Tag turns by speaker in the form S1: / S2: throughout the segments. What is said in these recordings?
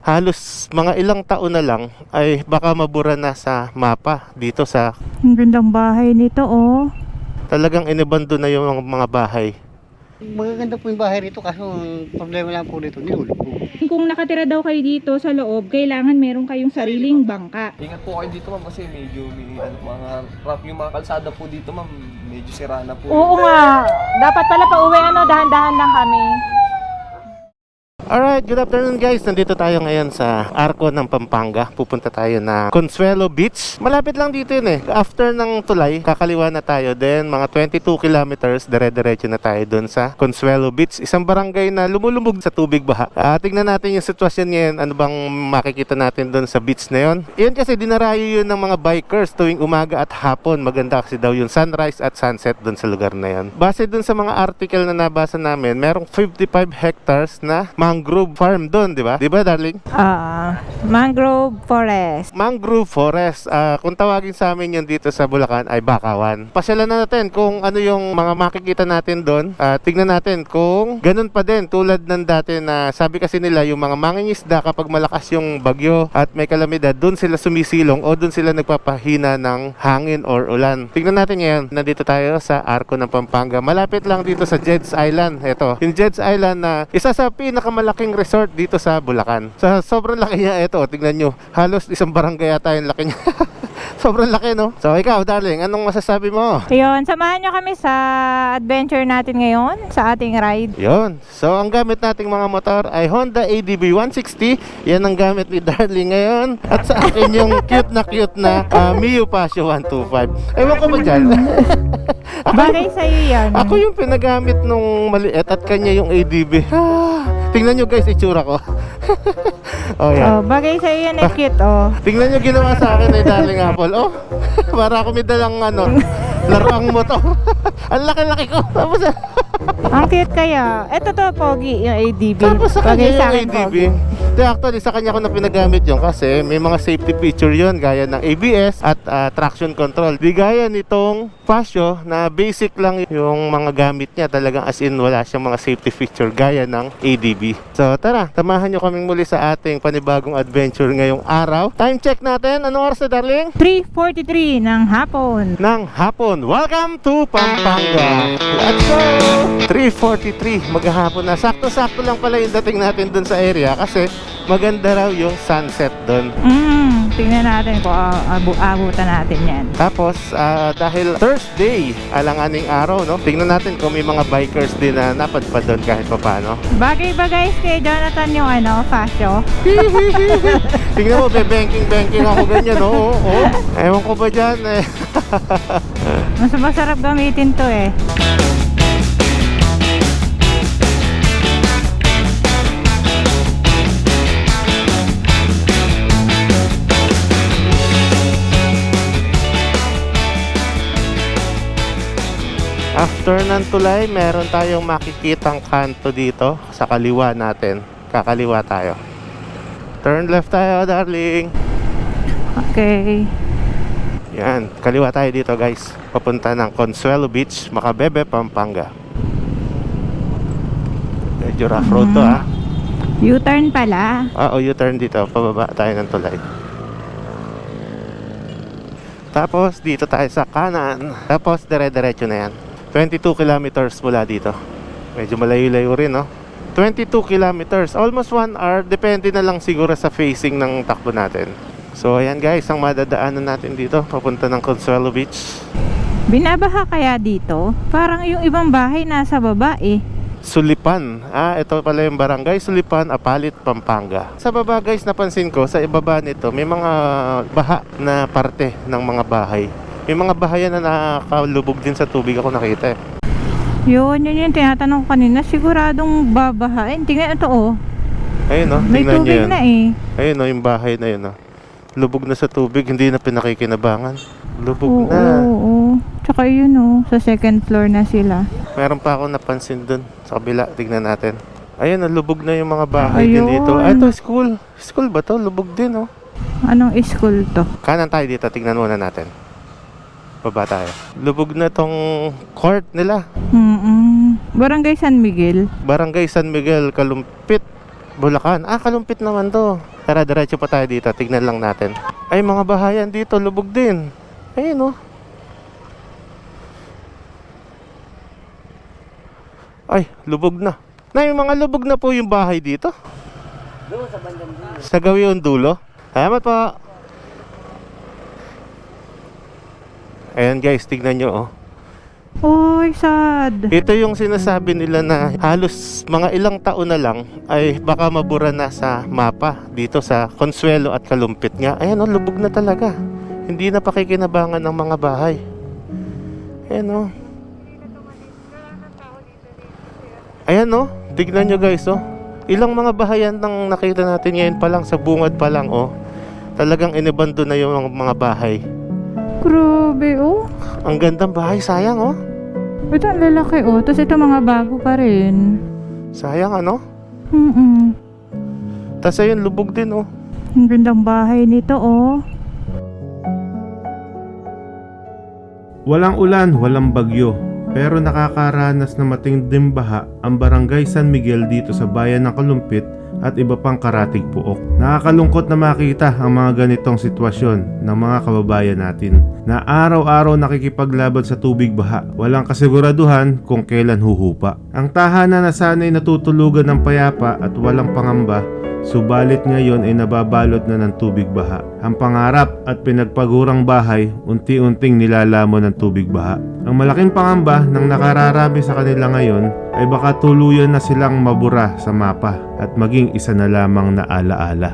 S1: halos mga ilang taon na lang ay baka mabura na sa mapa dito sa
S2: Ang gandang bahay nito, oh.
S1: talagang inabando na yung mga bahay.
S3: Magaganda po yung bahay rito kaso ang problema lang po dito, nilulubog.
S2: Kung nakatira daw kayo dito sa loob, kailangan meron kayong sariling bangka.
S4: Ingat po kayo dito ma'am kasi medyo may mga rough yung mga kalsada po dito ma'am, medyo sira na po.
S2: Oo nga. Dapat pala pauwi, dahan-dahan lang kami.
S1: Alright, good afternoon guys. Nandito tayo ngayon sa Arco ng Pampanga. Pupunta tayo na Consuelo Beach. Malapit lang dito yun eh. After ng tulay, kakaliwa na tayo. Then mga 22 kilometers, dire-diretso na tayo dun sa Consuelo Beach. Isang barangay na lumulubog sa tubig baha. Tingnan natin yung sitwasyon ngayon. Ano bang makikita natin dun sa beach na yun? Yun kasi dinarayo yun ng mga bikers tuwing umaga at hapon. Maganda kasi daw yung sunrise at sunset dun sa lugar na yun. Base dun sa mga article na nabasa namin, merong 55 hectares na mangrove farm doon, di ba? Di ba, darling?
S2: Mangrove forest.
S1: Mangrove forest. Kung tawagin sa amin yun dito sa Bulacan ay bakawan. Pasyalan na natin kung ano yung mga makikita natin doon. Tignan natin kung ganun pa din tulad ng dati na sabi kasi nila yung mga mangingisda kapag malakas yung bagyo at may kalamidad, doon sila sumisilong o doon sila nagpapahina ng hangin or ulan. Tignan natin ngayon. Nandito tayo sa Arco ng Pampanga. Malapit lang dito sa Jed's Island. Ito, yung Jed's Island na isa sa pinakamalaking resort dito sa Bulacan. Sa sobrang laki niya, ito, tingnan nyo. Halos isang barangay yata yung laki niya. Sobrang laki, no? So, ikaw, darling, anong masasabi mo?
S2: Ayun, samahan nyo kami sa adventure natin ngayon, sa ating ride.
S1: Yon. So, ang gamit nating mga motor ay Honda ADB 160. Yan ang gamit ni darling ngayon. At sa akin yung cute na Mio Pasio 125. Ewan ko ba dyan?
S2: Bagay sa'yo yan.
S1: Ako yung pinagamit nung maliit at kanya yung ADB. Tingnan nyo guys, itsura ko. Oh, yan.
S2: Bagay sa'yo yan, cute, oh.
S1: Tingnan nyo ginawa sa akin ay darling Apple. Oh, para ako may dalang laruang motor. Ang laki-laki ko. Tapos
S2: Ang cute kaya. Eto to, pogi, yung ADB.
S1: Tapos sa
S2: Bagay
S1: kanya
S2: sa
S1: yung
S2: akin,
S1: ADB.
S2: pogi.
S1: Actually, sa kanya ko na pinagamit yun kasi may mga safety feature yun gaya ng ABS at traction control. Di gaya nitong Pasio na basic lang yung mga gamit niya. Talagang as in wala siyang mga safety feature gaya ng ADB. So tara, tamahan nyo kaming muli sa ating panibagong adventure ngayong araw. Time check natin. Anong oras na, darling?
S2: 3:43 ng hapon.
S1: Ng hapon. Welcome to Pampanga. Let's go! 3:43 maghahapon na. Sakto-sakto lang pala yung dating natin dun sa area kasi maganda raw yung sunset dun.
S2: Tingnan natin kung abutan natin yan.
S1: Tapos dahil Thursday, alanganing araw, no? Tingnan natin kung may mga bikers din na napadpad doon kahit papaano.
S2: Bagay ba guys kay Jonathan yung Fasio?
S1: Tingnan mo, banking ako ganyan, no? Oo. Ewan ko ba dyan, eh.
S2: Mas masarap gamitin to eh.
S1: After ng tulay, meron tayong makikitang kanto dito sa kaliwa natin. Kakaliwa tayo. Turn left tayo, darling.
S2: Okay.
S1: Yan, kaliwa tayo dito guys. Papunta ng Consuelo Beach, Macabebe, Pampanga. Medyo rough road to, ha.
S2: U-turn pala.
S1: U-turn dito. Pababa tayo ng tulay. Tapos dito tayo sa kanan. Tapos dire-diretso na yan. 22 kilometers mula dito. Medyo malayo-layo rin, no? 22 kilometers, almost 1 hour. Depende na lang siguro sa facing ng takbo natin. So ayan guys, ang madadaanan natin dito papunta ng Consuelo Beach.
S2: Binabaha kaya dito? Parang yung ibang bahay nasa baba eh.
S1: Sulipan. Ito pala yung barangay Sulipan, Apalit, Pampanga. Sa baba guys, napansin ko, sa ibaba nito may mga baha na parte ng mga bahay. May mga bahayan na nakalubog din sa tubig ako nakita eh.
S2: Yun yung tinatanong ko kanina. Siguradong babahain. Tingnan ito oh.
S1: Ayun, no?
S2: May
S1: Tingnan nyo
S2: tubig
S1: yun.
S2: na eh.
S1: Ayun, no? Yung bahay na yun, no? Lubog na sa tubig, hindi na pinakikinabangan. Lubog
S2: Oo,
S1: na.
S2: oo. Tsaka yun oh, sa second floor na sila.
S1: Meron pa ako napansin dun sa kabila. Tignan natin. Ayun, lubog na yung mga bahay din
S2: Ayun.
S1: dito. Ito, school. School ba to? Lubog din, no?
S2: Anong school to?
S1: Kanan tayo dito. Tignan muna natin. Baba tayo. Lubog na tong court nila.
S2: Barangay San Miguel.
S1: Barangay San Miguel, Kalumpit. Bulacan. Kalumpit naman to. Tara, diretso pa tayo dito. Tignan lang natin. Ay, mga bahayan dito, lubog din. Ayun, oh. Ay, lubog na. Nay, mga lubog na po yung bahay dito.
S3: Doon sa bandang dulo.
S1: Sa Gawion Dulo. Salamat po. Ayan guys, tignan nyo, oh.
S2: Oy, sad.
S1: Ito yung sinasabi nila na halos mga ilang taon na lang ay baka mabura na sa mapa dito sa Consuelo at Kalumpit nga. Ayan, oh, lubog na talaga. Hindi na pakikinabangan ng mga bahay. Ayan, oh. Ayan, oh. Tignan nyo guys, oh. Ilang mga bahayan nang nakita natin ngayon pa lang, sa bungad pa lang, oh. Talagang inabando na yung mga bahay.
S2: Grabe, oh.
S1: Ang gandang bahay, sayang, oh.
S2: Ito ang lalaki, oh. Tapos ito mga bago pa rin.
S1: Sayang, ano? Tapos ayun, lubog din, oh.
S2: Ang gandang bahay nito, oh.
S5: Walang ulan, walang bagyo, pero nakakaranas na matinding baha ang Barangay San Miguel dito sa bayan ng Kalumpit at iba pang karatig puok. Nakakalungkot na makita ang mga ganitong sitwasyon ng mga kababayan natin na araw-araw nakikipaglaban sa tubig baha. Walang kasiguraduhan kung kailan huhupa. Ang tahanan na sana'y natutulugan ng payapa at walang pangamba, subalit ngayon ay nababalot na ng tubig baha. Ang pangarap at pinagpagurang bahay unti-unting nilalamon ng tubig baha. Ang malaking pangamba ng nakararami sa kanila ngayon ay baka tuluyan na silang mabura sa mapa at maging isa na lamang na alaala.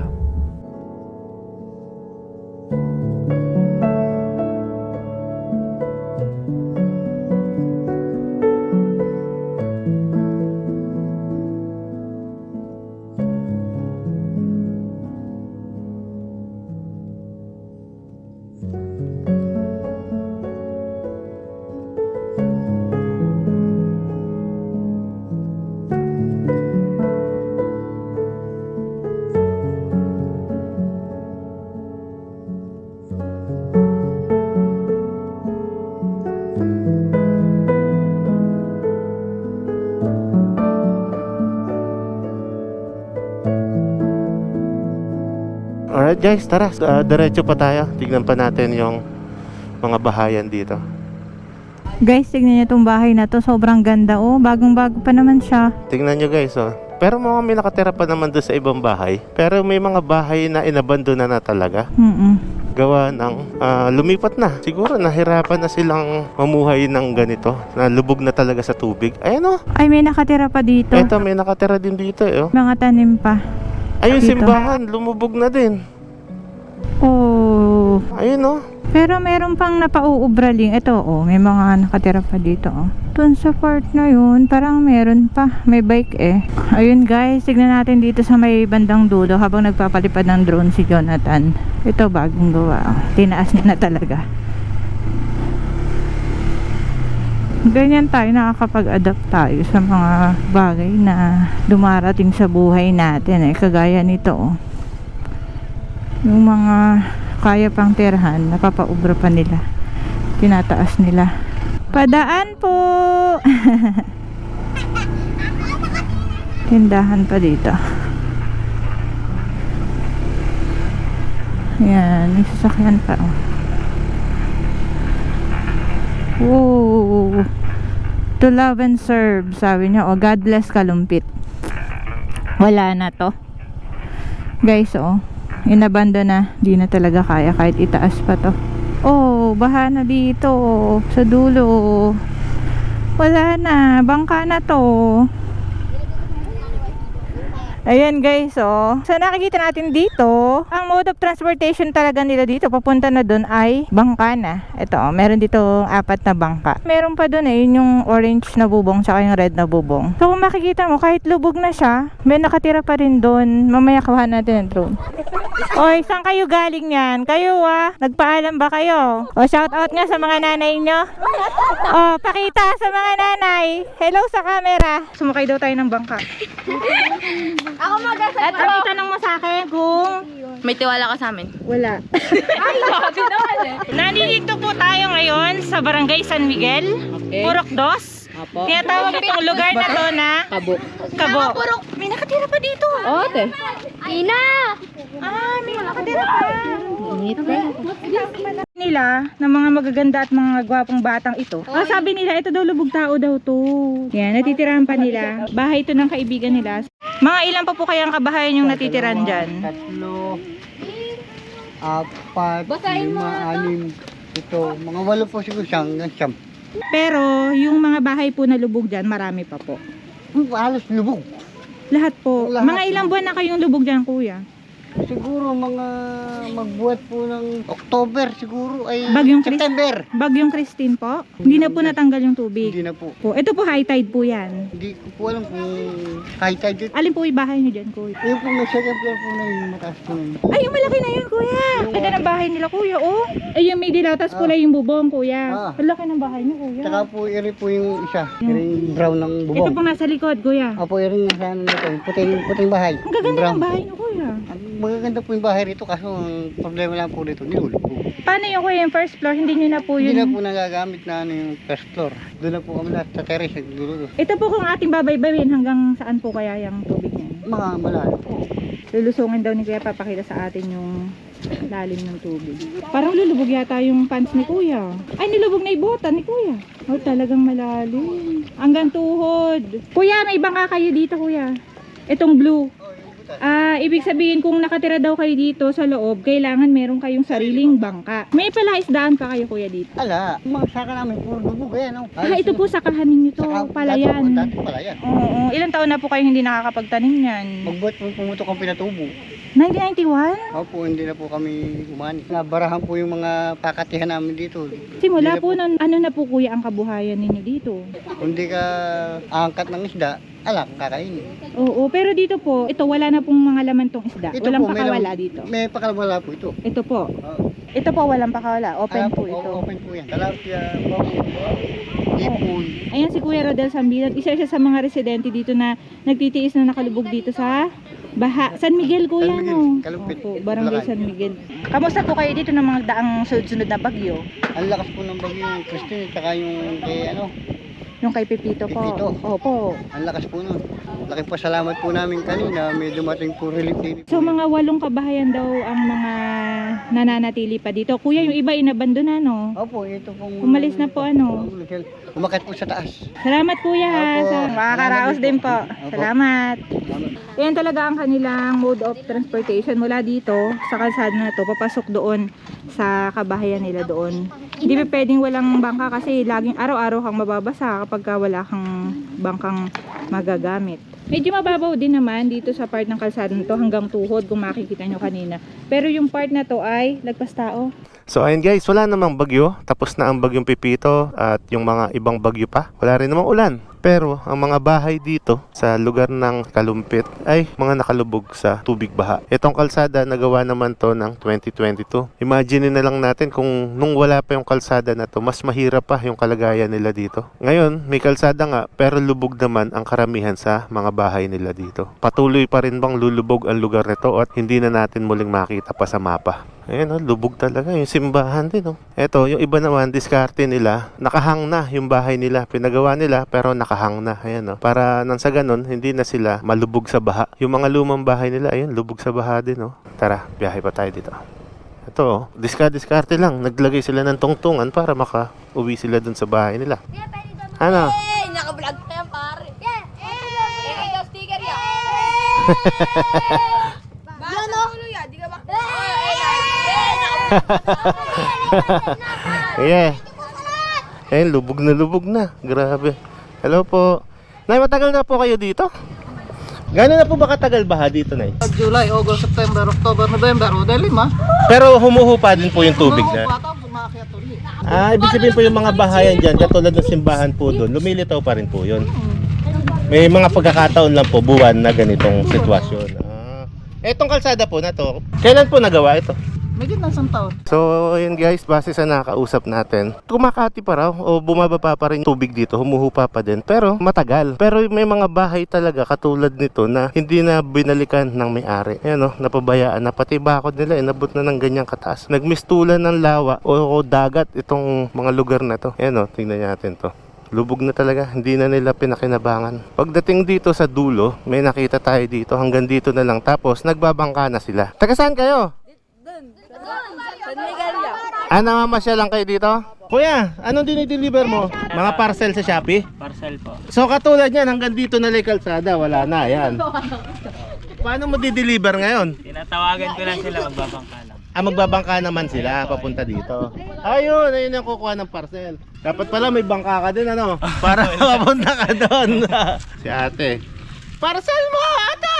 S1: Alright guys, tara. Diretso pa tayo. Tignan pa natin yung mga bahayan dito.
S2: Guys, tignan niyo itong bahay na to. Sobrang ganda, oh. Bagong-bago pa naman siya.
S1: Tignan nyo guys, oh. Pero mga may nakatira pa naman doon sa ibang bahay. Pero may mga bahay na inabandona na talaga. Gawa ng lumipat na. Siguro nahirapan na silang mamuhay ng ganito. Na lubog na talaga sa tubig. Ayan, oh.
S2: Ay, may nakatira pa dito.
S1: Eto, may nakatira din dito, eh, oh.
S2: Mga tanim pa.
S1: Ayun,
S2: Dito.
S1: simbahan. Lumubog na din.
S2: Oh.
S1: Ayun, oh.
S2: Pero meron pang napauubraling. Ito, oh. May mga nakatira pa dito, oh. Dun sa part na yun, parang meron pa. May bike, eh. Ayun, guys. Tignan natin dito sa may bandang dulo habang nagpapalipad ng drone si Jonathan. Ito, bagong gawa, oh. Tinaas niya na talaga. Ganyan tayo, nakakapag-adapt tayo sa mga bagay na dumarating sa buhay natin, eh. Kagaya nito, oh. Yung mga kaya pang tirahan, napapaubra pa nila. Tinataas nila. Padaan po! Tindahan pa dito. Ayan, may sasakyan pa, oh. Whoa! To love and serve, sabi niya, oh. God bless Kalumpit. Wala na to. Guys, oh. Inabando na. Di na talaga kaya kahit itaas pa to. Oh, baha na dito. Sa dulo. Wala na. Bangka na to. Ayan guys, oh. So nakikita natin dito, ang mode of transportation talaga nila dito papunta na doon ay bangka na. Ito, oh, meron dito 4 na bangka. Meron pa doon, eh, yun yung orange na bubong tsaka yung red na bubong. So kung makikita mo, kahit lubog na siya, may nakatira pa rin doon. Mamaya kuha natin ang drone. Oy, saan kayo galing yan? Kayo, nagpaalam ba kayo? O, shout out nga sa mga nanay nyo. O, pakita sa mga nanay. Hello sa camera. Sumakay daw tayo ng bangka.
S6: Ako mag-asal.
S2: At itanong mo sa akin kung
S6: May tiwala ka sa amin.
S2: wala.
S6: Ay, sabi naman eh.
S2: Nandito po tayo ngayon sa Barangay San Miguel,
S6: Okay.
S2: Purok 2. Tinatawag itong lugar na to na Kabo. May nakatira pa dito.
S6: Oo, te. Ina!
S2: May nakatira pa. Nila ng mga magaganda at mga gwapong batang ito. Sabi nila ito daw lubog tao daw to. Yan, natitirahan pa nila. Bahay ito ng kaibigan nila. Mga ilan pa po kayang kabahayan yung natitiran dyan?
S3: 3, 4, 5, 6, 7. Mga 8 po siguro siyam.
S2: Pero yung mga bahay po na lubog dyan, marami pa po.
S3: Halos lubog.
S2: Lahat po.
S3: Lahat.
S2: Mga ilang buwan na kayong lubog dyan, kuya?
S3: Siguro mga magbuhat po ng October siguro ay
S2: Bagyong
S3: September.
S2: Bagyong Christine po? Hindi na po natanggal yung tubig.
S3: Hindi na po.
S2: Ito po high tide po yan.
S3: Hindi ko po alam kung kahit tayo dito.
S2: Alin po yung bahay niyo dyan, kuya?
S3: Yung po may second floor po na yung mataas po na yun.
S2: Ay, yung malaki na yun, kuya. Ito ng bahay nila, kuya, oh. Ay, yung may dilatas pula yung bubong, kuya. Ang laki ng bahay niyo, kuya.
S3: Tsaka po iri po yung isa. Iri yung brown ng
S2: Ito
S3: bubong.
S2: po nasa likod, kuya.
S3: Opo, iri yung nasa ano nito. Puting bahay.
S2: Ang gaganda
S3: Brown.
S2: ng bahay niyo, kuya.
S3: Magaganda po yung bahay rito kaso ang problema lang po rito, nilulog po.
S2: Paano yung kuya, yung first floor? Hindi nyo na po
S3: Hindi na
S2: yun.
S3: po nagagamit na ano yung first floor. Doon na po kami lahat sa terrace nagluluto.
S2: Ito po kung ating babaybawin, hanggang saan po kaya yung tubig niyan?
S3: Mga malayo po.
S2: Lulusungin daw ni kuya, papakita sa atin yung lalim ng tubig. Parang lulubog yata yung pants ni kuya. Ay, nilubog na yung bota ni kuya. Oh, talagang malalim. Hanggang tuhod. Kuya, may bangka kayo dito, kuya. Itong blue. Ibig sabihin kung nakatira daw kayo dito sa loob, kailangan meron kayong sariling bangka. May palaisdaan pa kayo, kuya, dito.
S3: Ala, mga saka namin puro lubog ayan. Oh.
S2: Ito po sakahan ninyo to, palayan.
S3: Dati palayan.
S2: Oo, ilang taon na po kayo hindi nakakapagtanim yan?
S3: Magbuhat po pumutok ang pinatubo.
S2: 1991?
S3: Opo, hindi na po kami umani. Nabarahan po yung mga pakatihan namin dito.
S2: Simula
S3: Hindi na
S2: po nun, ano na po kuya ang kabuhayan ninyo dito?
S3: Kung di ka angkat ng isda, kakainin.
S2: Oo, pero dito po, ito wala na pong mga laman tong isda.
S3: Ito
S2: Walang
S3: po, may
S2: pakawala
S3: lam-
S2: dito.
S3: May pakawala po ito.
S2: Ito po.
S3: Oo.
S2: Ito po walang pakawala. Open po ito.
S3: Open po yan. Talapia, bawang, ipon.
S2: Ayan si Kuya Rodel Sambilad. Isa siya sa mga residente dito na nagtitiis na nakalubog dito sa Baha. San Miguel, kuya,
S3: San Miguel,
S2: no?
S3: Kalumpit,
S2: Opo, Barangay
S3: Bulacan.
S2: San Miguel. Kamusta po kayo dito ng mga daang sunod-sunod na bagyo?
S3: Ang lakas po ng bagyo yung Christine, tsaka yung kay
S2: Yung kay Pepito po.
S3: Pepito.
S2: Opo.
S3: ang lakas po nun. Laking pasalamat po namin kanina, may dumating po relief din.
S2: So mga 8 kabahayan daw ang mga nananatili pa dito. Kuya, yung iba inabandona, no?
S3: Opo, ito pong...
S2: Umalis na po, ano?
S3: Umakyat po sa taas.
S2: Salamat kuya ha.
S3: Opo.
S2: Sa makakaraos din po.
S3: Opo.
S2: Salamat. Yan talaga ang kanilang mode of transportation mula dito sa kalsada na to papasok doon sa kabahayan nila doon. Hindi pa pwedeng walang bangka kasi laging araw-araw kang mababasa kapag wala kang bangkang magagamit. Medyo mababaw din naman dito sa part ng kalsada na to hanggang tuhod kung makikita nyo kanina. Pero yung part na to ay lagpas tao.
S1: So ayun guys, wala namang bagyo. Tapos na ang bagyong Pepito at yung mga ibang bagyo pa. Wala rin namang ulan. Pero ang mga bahay dito sa lugar ng Kalumpit ay mga nakalubog sa tubig baha. Itong kalsada nagawa naman to ng 2022. Imagine na lang natin kung nung wala pa yung kalsada na to, mas mahirap pa yung kalagayan nila dito. Ngayon, may kalsada nga pero lubog naman ang karamihan sa mga bahay nila dito. Patuloy pa rin bang lulubog ang lugar nito at hindi na natin muling makita pa sa mapa. Ayan, lubog talaga yung simbahan din. Ito, yung iba naman, diskarte nila, nakahang na yung bahay nila. Pinagawa nila pero nakahang na. Ayan, para nang sa ganun, hindi na sila malubog sa baha. Yung mga lumang bahay nila, ayun, lubog sa baha din. Tara, biyahe pa tayo dito. Ito, diskarte lang. Naglagay sila ng tungtungan para maka-uwi sila dun sa bahay nila. Ano?
S6: Hey! Naka-vlog na yan, pare. Ikaw sticker yan. Yan o. Di ka ba?
S1: Yeah. Ayun, lubog na. Grabe. Hello po. Nay, matagal na po kayo dito? Gano'n na po ba katagal baha dito, Nay?
S3: July, August, September, October, November, o dahil 5.
S1: Pero humuhupa din po yung tubig na.
S3: Umakyat ulit.
S1: Ibig sabihin po yung mga bahayan dyan, katulad ng simbahan po doon, lumilitaw pa rin po yun. May mga pagkakataon lang po, buwan na ganitong sitwasyon. Etong kalsada po na to, kailan po nagawa ito?
S3: May gitna isang taon.
S1: So, ayun guys, base sa nakakausap natin, kumakati pa raw o bumababa pa rin tubig dito, humuhupa pa din, pero matagal. Pero may mga bahay talaga katulad nito na hindi na binalikan ng may-ari. Ayan napabayaan na, pati bakod nila, inabot na ng ganyang kataas. Nagmistulan ng lawa o dagat itong mga lugar na to. Ayan tingnan natin to. Lubog na talaga, hindi na nila pinakinabangan. Pagdating dito sa dulo, may nakita tayo dito, hanggang dito na lang. Tapos nagbabangka na sila. Taga saan kayo?
S6: San Miguel yan.
S1: Namamasyal lang kayo dito? Kuya, anong dinideliver mo? Mga parcel sa Shopee?
S7: Parcel po.
S1: So katulad yan, hanggang dito na lang yung kalsada, wala na, yan. Paano mo di-deliver ngayon?
S7: Tinatawagan ko lang sila, magbabangka lang.
S1: Magbabangka naman sila papunta dito. Ayun yung kukuha ng parcel. Dapat pala may bangka ka din, ano? Para mapunta ka doon. Si ate. Parcel mo, ate!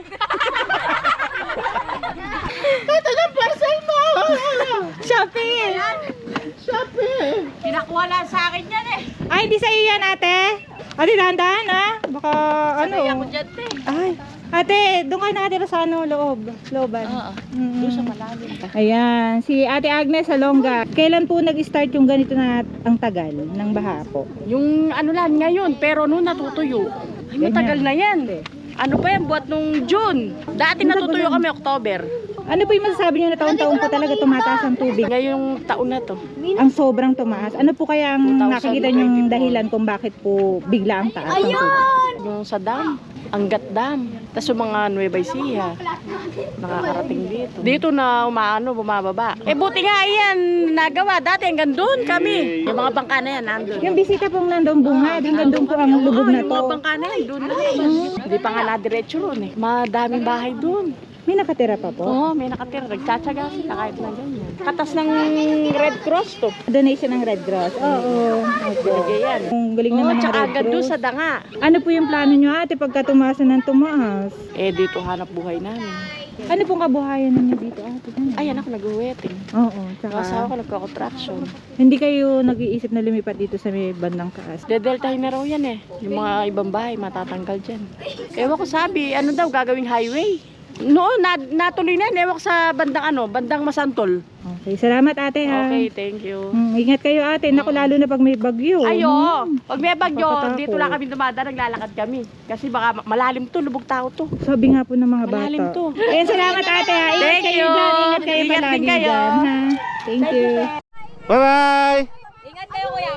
S1: Ate ng parcel mo!
S2: Shopee!
S1: Shopee!
S6: Pinakuha lang sa akin yan eh.
S2: Ay, di sa'yo yan, ate. Ate, dahan-dahan, ha? Baka, ano?
S6: Kaya ako dyan te.
S2: Ay, ate, doon ka nakatira sa ano, looban.
S6: Oo.
S2: Mm.
S6: Doon sa malalim.
S2: Ayan, si Ate Agnes Salonga. Kailan po nag-start yung ganito na ang tagal ng baha po?
S8: Yung ano lang ngayon, pero noon natutuyo. Ay, matagal na yan. Ano pa yan, buat nung June. Dati natutuyo kami October.
S2: Ano po yung masasabi niyo na taon-taon po talaga tumataas ang tubig?
S8: Ngayong taon na to.
S2: Ang sobrang tumaas. Ano po kaya ang
S8: 2024?
S2: nakikita niyong dahilan kung bakit po bigla ang taas ng tubig?
S8: Yung sa dam, Angat Dam. Tapos yung mga Nueva Ecija, nakakarating dito. Dito na bumababa. Buti nga yan, nagawa. Dati hanggang doon kami. Yung mga bangka na yan, nandun.
S2: Yung bisita pong nandun bungad, hanggang doon po ang lubog na
S8: Yung mga
S2: to.
S8: bangka na yan, doon na. Hindi pa nga nadiretso ron eh. Madaming bahay doon.
S2: May nakatira pa po?
S8: Oo, may nakatira. Nagtsatsaga sila kahit na ganyan. Katas ng Red Cross to.
S2: Donation ng Red Cross. Oo.
S8: Binigay yan.
S2: Ang galing naman ng
S8: tsaka
S2: Red
S8: agad doon
S2: Cross.
S8: sa danga.
S2: Ano po yung plano nyo ate pagka tumaasa ng tumaas?
S8: Dito hanap buhay namin.
S2: Ano pong kabuhayan ninyo dito ate?
S8: Ayan ako nag-wedding.
S2: Oo.
S8: Yung asawa
S2: Tsaka
S8: ko nagka-contraction.
S2: hindi kayo nag-iisip na lumipat dito sa may bandang kaas?
S8: Dedeltahin na raw yan eh. Yung mga ibang bahay matatanggal dyan. Ewan ko sabi, ano daw gagawing highway? Noon, natuloy na. Ewan ko sa bandang Masantol.
S2: Okay, salamat ate ha.
S8: Okay, thank you.
S2: Ingat kayo ate. Naku, lalo na pag may bagyo.
S8: Ayo, pag may bagyo,
S2: Makatakot.
S8: dito lang kami dumadaan, naglalakad kami. Kasi baka malalim to, lubog tao to.
S2: Sabi nga po ng mga bata.
S8: Malalim to.
S2: Ayun, salamat ate ha. Ingat
S8: Thank
S2: kayo
S8: you.
S2: dyan. Ingat kayo
S8: Ingat
S2: palagi
S8: din kayo.
S2: dyan ha. Thank you.
S1: Bye-bye!
S6: Ingat kayo kuya.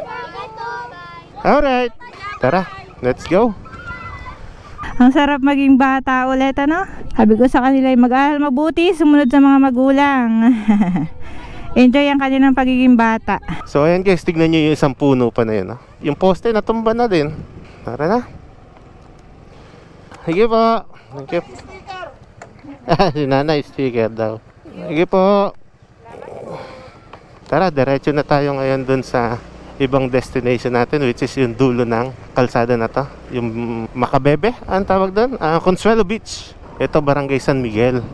S6: Bye.
S1: Alright. Tara, let's go.
S2: Ang sarap maging bata ulit, ano? Sabi ko sa kanila, mag-aaral mabuti, sumunod sa mga magulang. Enjoy ang kanilang pagiging bata.
S1: So ayan guys, tignan nyo yung isang puno pa na yun. Yung poste natumba na din. Tara na. Sige po. Thank you. Si nanay sticker daw. Sige po. Tara, diretso na tayo ngayon dun sa ibang destination natin, which is yung dulo ng kalsada na to, yung Macabebe, ang tawag doon, Consuelo Beach. Ito Barangay San Miguel.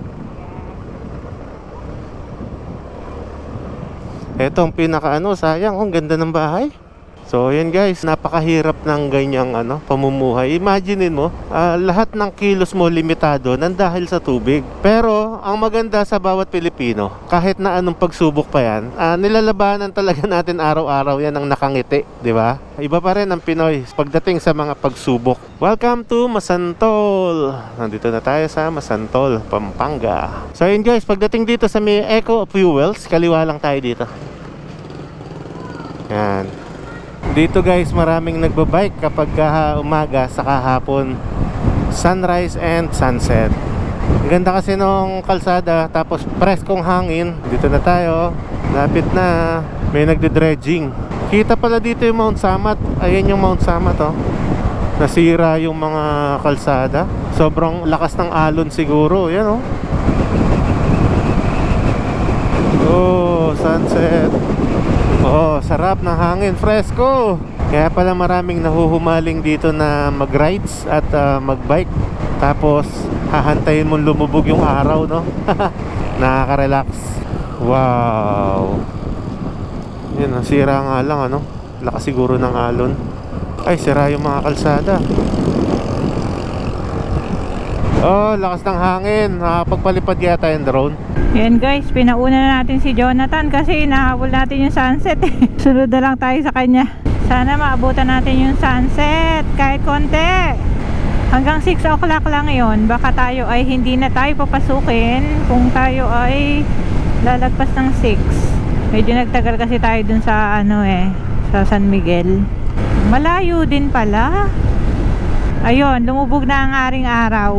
S1: Ito ang pinaka sayang, ang ganda ng bahay. So yan guys, napakahirap ng ganyang pamumuhay. Imaginein mo, lahat ng kilos mo limitado nang dahil sa tubig. Pero ang maganda sa bawat Pilipino, kahit na anong pagsubok pa yan, nilalabanan talaga natin araw-araw yan ang nakangiti, di ba? Iba pa rin ang Pinoy pagdating sa mga pagsubok. Welcome to Masantol. Nandito na tayo sa Masantol, Pampanga. So yun guys, pagdating dito sa may Eco Fuels, kaliwa lang tayo dito. Yan. Dito guys, maraming nagbabike kapag umaga sa kahapon, sunrise and sunset. Ang ganda kasi nung kalsada, tapos preskong hangin. Dito na tayo, lapit na. May nagde-dredging. Kita pala dito yung Mount Samat. Ayan yung Mount Samat oh. Nasira yung mga kalsada. Sobrang lakas ng alon siguro. Yan oh. Oh, sunset. Oh, sarap ng hangin, fresco. Kaya pala maraming nahuhumaling dito na mag-rides at mag-bike. Tapos hahantayin mong lumubog yung araw, no? Nakaka-relax. Wow. Yan, sira nga lang, ano? Lakas siguro ng alon. Ay, sira yung mga kalsada. Oh, lakas ng hangin. Nakapagpalipad yata yung drone.
S2: Yan guys, pinauna na natin si Jonathan kasi nahabol natin yung sunset. Sunod na lang tayo sa kanya. Sana maabutan natin yung sunset kahit konti. Hanggang 6 o'clock lang yon. Baka tayo ay hindi na tayo papasukin kung tayo ay lalagpas ng 6. Medyo nagtagal kasi tayo dun sa sa San Miguel. Malayo din pala. Ayun, lumubog na ang aring araw.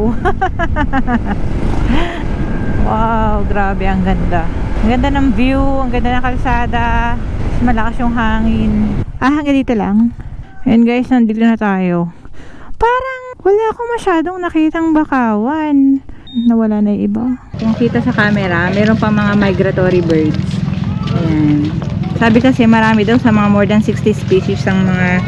S2: Wow, grabe, ang ganda. Ang ganda ng view, ang ganda ng kalsada. Malakas yung hangin. Hanggang dito lang. Ayan guys, nandito na tayo. Parang wala akong masyadong nakitang bakawan. Nawala na yung iba. Kung kita sa camera, meron pa mga migratory birds. Ayan. Sabi kasi marami daw sa mga more than 60 species ang mga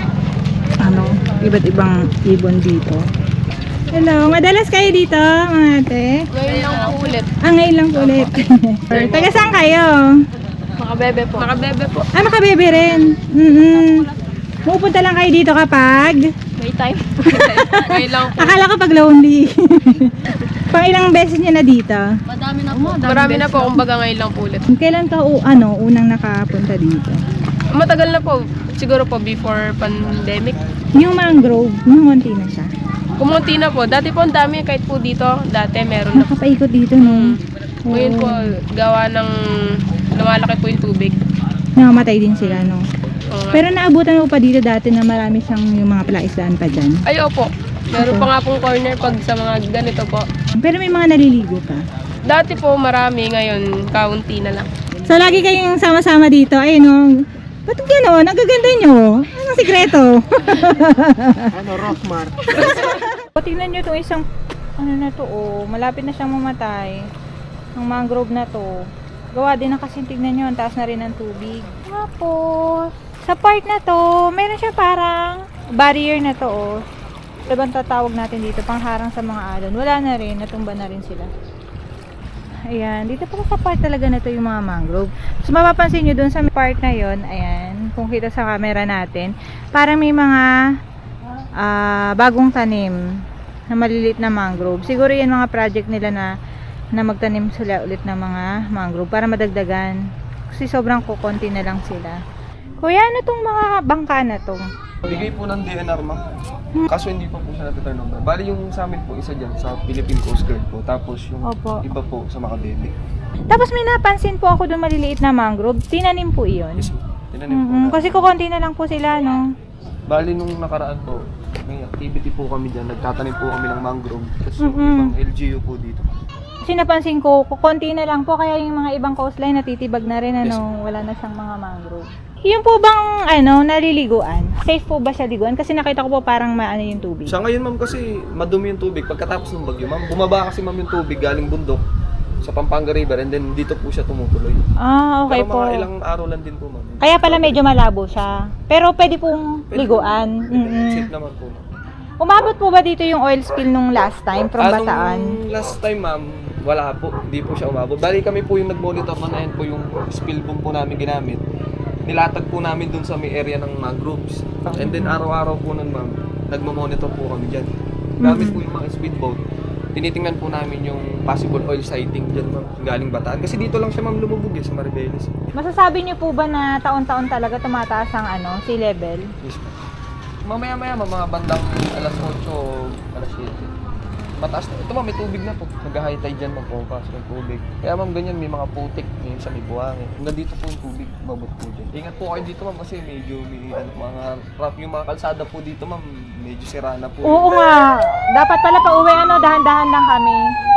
S2: iba't ibang ibon dito. Hello, madalas kayo dito, mga ate?
S6: Ngayon lang po ulit.
S2: Ngayon lang po ulit. Taga saan kayo?
S6: Makabebe po. Makabebe po.
S2: Makabebe rin. Pupunta lang kayo dito kapag?
S6: May time. Ngayon lang po.
S2: Akala ko pag lonely. Pang ilang beses niya na dito?
S6: Madami na po. Marami na po, kumbaga ngayon lang po ulit.
S2: Kailan ka unang nakapunta dito?
S6: Matagal na po. Siguro po before pandemic.
S2: Yung mangrove, numunti na siya.
S6: Kumunti na po. Dati po ang dami kahit po dito. Dati meron na po.
S2: Nakapaikot dito, no?
S6: Ngayon po, gawa ng lumalaki po yung tubig.
S2: Namamatay din sila, no?
S6: Oo nga.
S2: Pero naabutan mo pa dito dati na marami siyang yung mga palaisdaan pa dyan.
S6: Ay, opo. Meron pa nga pong corner pag sa mga ganito po.
S2: Pero may mga naliligo pa.
S6: Dati po marami, ngayon kaunti na lang.
S2: So, lagi kayong sama-sama dito. Ayun, no? Ba't gano'n? Ang gaganda nyo. Anong sikreto?
S3: Rockmart.
S2: Tingnan nyo itong isang, malapit na siyang mamatay. Ang mangrove na to. Gawa din na kasi tignan nyo, ang taas na rin ng tubig. Tapos, sa part na to, meron siya parang barrier na to, oh. Diba tatawag natin dito, pangharang sa mga alon. Wala na rin, natumba na rin sila. Ayan, dito pala sa part talaga na to yung mga mangrove. So, mapapansin nyo dun sa part na yon, ayan, kung kita sa camera natin, parang may mga bagong tanim na maliliit na mangrove. Siguro yan mga project nila na magtanim sila ulit ng mga mangrove para madagdagan. Kasi sobrang kukonti na lang sila. Kuya, ano tong mga bangka na to?
S4: Bigay po ng DNR, ma'am. Kaso hindi pa po siya na-turn over. Bali yung sa amin po, isa dyan sa Philippine Coast Guard po. Tapos yung
S2: Opo.
S4: iba po sa Makabebe.
S2: Tapos may napansin po ako doon maliliit na mangrove. Tinanim po iyon.
S4: Yes, tinanim po na.
S2: Kasi kukonti na lang po sila, no?
S4: Bali nung nakaraan po, may activity po kami dyan. Nagtatanim po kami ng mangrove. Tapos yung
S2: Mm-mm.
S4: ibang LGU po dito.
S2: Kasi napansin ko, kukonti na lang po. Kaya yung mga ibang coastline natitibag na rin,
S4: Yes.
S2: wala na siyang mga mangrove. Yung po bang, naliliguan? Safe po ba siya liguan? Kasi nakita ko po parang maano yung tubig.
S4: Sa ngayon, ma'am, kasi madumi yung tubig. Pagkatapos ng bagyo, ma'am, bumaba kasi ma'am yung tubig galing bundok sa Pampanga River and then dito po siya tumutuloy.
S2: Okay
S4: Pero
S2: po.
S4: mga ilang araw lang din po, ma'am.
S2: Kaya pala medyo malabo siya. Pero pwede pong
S4: Pwede
S2: liguan.
S4: po. Pwede. Safe naman po, ma'am.
S2: Umabot po ba dito yung oil spill nung last time from Bataan?
S4: Last time, ma'am, wala po. Hindi po siya umabot. Bali kami po yung nag-monitor na yan po yung spill boom po namin ginamit. Nilatag po namin dun sa may area ng mangroves. And then araw-araw po nun, ma'am, nagmo-monitor po kami dyan. Gamit po yung mga speedboat. Tinitingnan po namin yung possible oil sighting dyan, ma'am, galing Bataan. Kasi dito lang siya, ma'am, lumubog sa Maribeles.
S2: Masasabi niyo po ba na taon-taon talaga tumataas ang sea level?
S4: Yes, ma'am. Mamaya-maya, ma'am, mga bandang alas 8 o alas 7. Mataas na. Ito, ma'am, may tubig na po. Nag-high tide dyan, ma'am, pumapasok yung tubig. Kaya, ma'am, ganyan, may mga putik, may isa may buhangin. Hanggang dito po yung tubig, babot po dyan. Ingat po kayo dito, ma'am, kasi medyo may mga rough yung mga kalsada po dito, ma'am, medyo sira na po.
S2: Oo nga. Dapat pala pa uwi, dahan-dahan lang kami.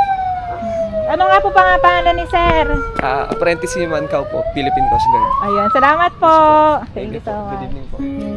S2: Ano nga po pangalan ni Sir?
S4: Apprentice si Mankaw po, Philippine Coast Guard.
S2: Ayun, salamat po. Thank you so
S4: po. Good
S2: much.
S4: evening po.